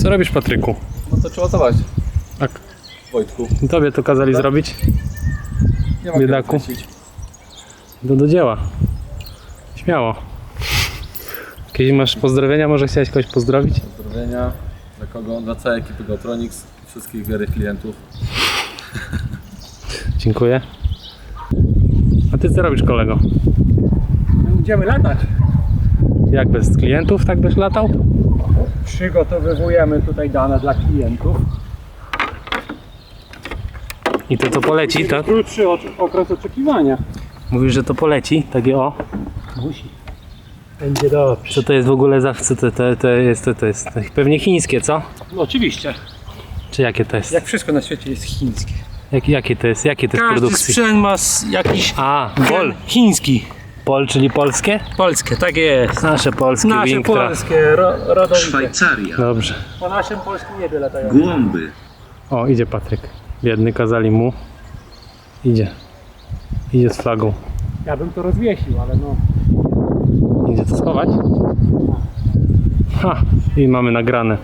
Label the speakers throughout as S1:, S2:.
S1: Co robisz, Patryku?
S2: No to trzeba zobaczyć.
S1: Tak.
S2: Wojtku.
S1: Tobie to kazali zrobić?
S2: Nie ma
S1: Biedaku. Do dzieła. Śmiało. Jakieś masz pozdrowienia? Może chciałeś kogoś pozdrowić?
S2: Pozdrowienia. Dla kogo? Dla całej ekipy Gotronics i wszystkich wiernych klientów.
S1: Dziękuję. A ty co robisz, kolego?
S3: Będziemy latać.
S1: Jak bez klientów tak byś latał?
S3: Przygotowujemy tutaj dane dla klientów.
S1: I to poleci, tak?
S3: Krótszy okres oczekiwania.
S1: Mówisz, że to poleci? Takie o.
S3: Musi. Będzie dobrze.
S1: Co to jest w ogóle za... Co to jest pewnie chińskie, co?
S3: No, oczywiście.
S1: Czy jakie to jest?
S3: Jak wszystko na świecie jest chińskie.
S1: Jakie to jest? Jakie to jest
S3: Każdy
S1: produkcji?
S3: sprzęt ma jakiś
S1: Pol.
S3: chiński.
S1: Pol, czyli polskie?
S3: Polskie, tak jest.
S1: Nasze polskie,
S3: Nasze
S1: Winktra.
S3: polskie, rodowite.
S4: Szwajcaria.
S1: Dobrze.
S3: Po naszym polskim niebie latają.
S4: Głąby.
S1: O, idzie Patryk. Biedny, kazali mu. Idzie. Idzie z flagą.
S3: Ja bym to rozwiesił, ale no.
S1: Idzie to schować? Ha! I mamy nagrane.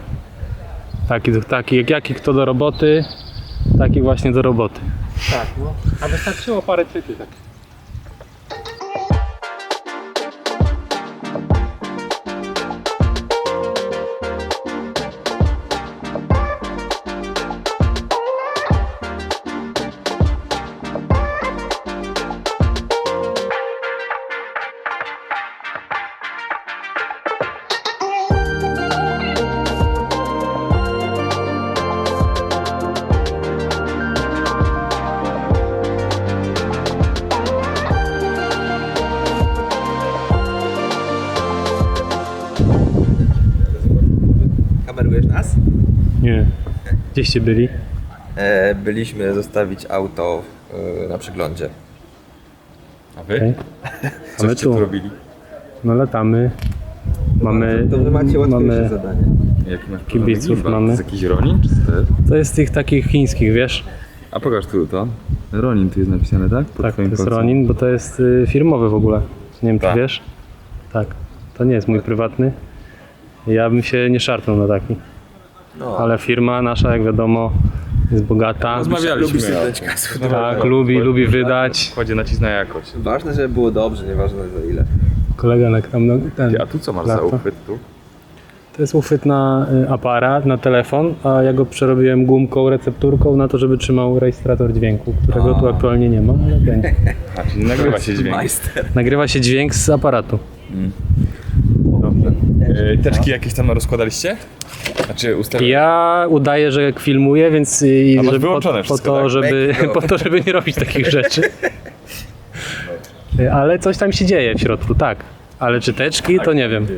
S1: Jaki kto do roboty, taki właśnie do roboty.
S3: Tak, no. A wystarczyło parę chwyty tak.
S5: Kamerujesz nas?
S1: Nie. Gdzieście byli?
S5: Byliśmy zostawić auto na przeglądzie.
S2: A wy?
S1: Okay. A my tu.
S2: robili?
S1: No latamy. Mamy,
S5: To wy macie łatwiejsze
S1: mamy
S5: zadanie.
S2: Jaki masz
S1: kibiców,
S2: gimbal?
S1: mamy.
S2: To jest jakiś Ronin czy co to jest?
S1: To jest tych takich chińskich, wiesz?
S2: A pokaż tu to. Ronin tu jest napisane, tak? Pod
S1: Tak, to
S2: twoim
S1: jest
S2: kolcem.
S1: Ronin, bo to jest firmowy w ogóle. Nie wiem, czy
S2: Tak.
S1: wiesz? Tak. To nie jest mój prywatny. Ja bym się nie szarpnął na taki.
S5: No.
S1: Ale firma nasza, jak wiadomo, jest bogata.
S2: Rozmawialiśmy.
S1: Tak, lubi wydać.
S2: Kładzie nacisk na jakość.
S5: Ważne, żeby było dobrze, nieważne za ile.
S1: Kolega tam ten.
S2: Ty, a tu co masz za
S1: lata.
S2: uchwyt tu?
S1: To jest uchwyt na aparat, na telefon, a ja go przerobiłem gumką, recepturką na to, żeby trzymał rejestrator dźwięku, którego tu aktualnie nie ma, ale będzie.
S2: A, czyli nagrywa się dźwięk.
S5: Majster.
S1: Nagrywa się dźwięk z aparatu.
S2: Dobrze. Teczki jakieś tam rozkładaliście? Znaczy ustawione?
S1: Ja udaję, że filmuję, więc
S2: A masz
S1: żeby
S2: wyłączone
S1: po
S2: wszystko,
S1: to,
S2: tak?
S1: po to, żeby nie robić takich rzeczy. Ale coś tam się dzieje w środku, tak. Ale czy teczki, to nie wiem.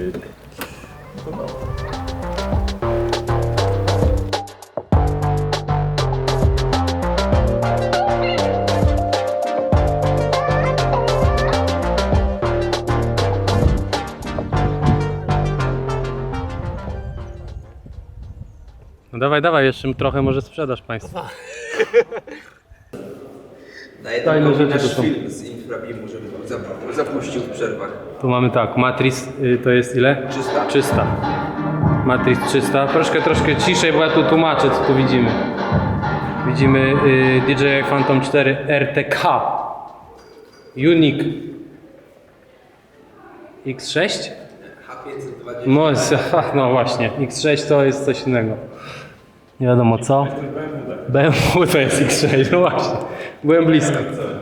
S1: No dawaj, jeszcze trochę może sprzedasz Państwu. Fajne rzeczy to są.
S5: film z Infrabimu, żeby zapuścił w przerwach.
S1: Tu mamy tak, Matrix to jest ile?
S5: 300.
S1: 300. Matrix 300. Troszkę ciszej, bo ja tu tłumaczę, co tu widzimy. Widzimy DJI Phantom 4 RTK Unique X6? No właśnie, X6 to jest coś innego. Nie wiadomo co. BMW to jest X6, no właśnie. Byłem blisko.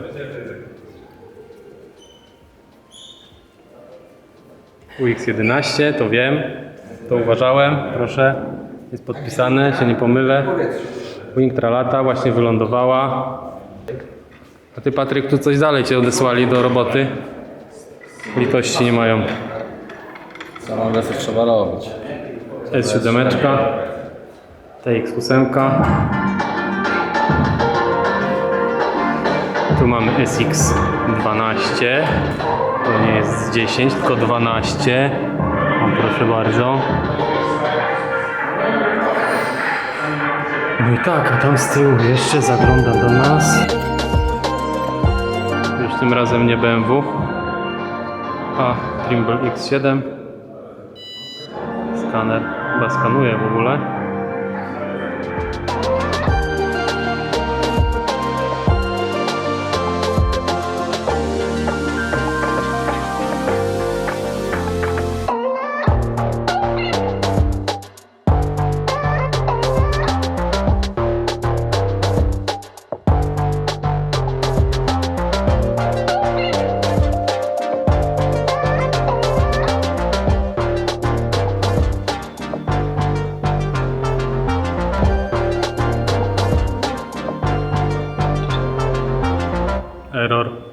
S1: UX11, to wiem. To uważałem, proszę. Jest podpisane, się nie pomylę. Winktra lata, właśnie wylądowała. A ty, Patryk, tu coś dalej cię odesłali do roboty? Litości nie mają.
S2: Samą wersję trzeba robić.
S1: S7, TX8. Tu mamy SX12. To nie jest 10, tylko 12. O, proszę bardzo. No i tak, a tam z tyłu jeszcze zagląda do nas. Już tym razem nie BMW, a Trimble X7. Skaner chyba skanuje w ogóle. Error.